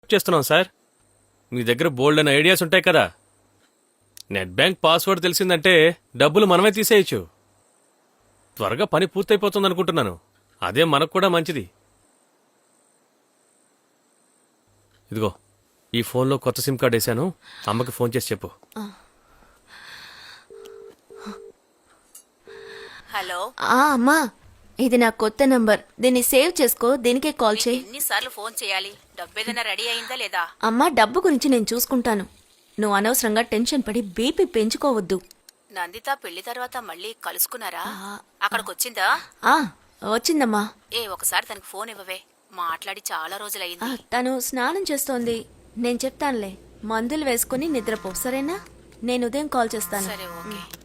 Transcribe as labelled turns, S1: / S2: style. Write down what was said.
S1: చేస్తున్నాం సార్. మీ దగ్గర బోల్డ్ అని ఐడియాస్ ఉంటాయి కదా. నెట్ బ్యాంక్ పాస్వర్డ్ తెలిసిందంటే డబ్బులు మనమే తీసేయచ్చు. త్వరగా పని పూర్తయిపోతుంది అనుకుంటున్నాను. అదే మనకు కూడా మంచిది. ఇదిగో ఈ ఫోన్లో కొత్త సిమ్ కార్డ్ వేసాను. అమ్మకి ఫోన్ చేసి చెప్పు.
S2: హలో.
S3: అమ్మా, ఇది నా కొత్త నంబర్. దీన్ని సేవ్ చేసుకో. దీనికే కాల్ చేయి.
S2: ఎన్నిసార్లు ఫోన్ చేయాలి? డబ్బు ఏదైనా రెడీ అయిందా లేదా?
S3: అమ్మా, డబ్బు గురించి నేను చూసుకుంటాను. నువ్వు అనవసరంగా టెన్షన్ పడి బీపీ పెంచుకోవద్దు.
S2: నందిత పెళ్లి తర్వాత మళ్ళీ కలుసుకున్నారా? అక్కడికొచ్చిందా?
S3: వచ్చిందమ్మా.
S2: ఒకసారి తనకి ఫోన్ ఇవ్వవే. మాట్లాడి చాలా రోజులైంది.
S3: తను స్నానం చేస్తోంది. నేను చెప్తానులే. మందులు వేసుకుని నిద్రపో, సరేనా? నేను ఉదయం కాల్ చేస్తాను.
S2: సరే, ఓకే.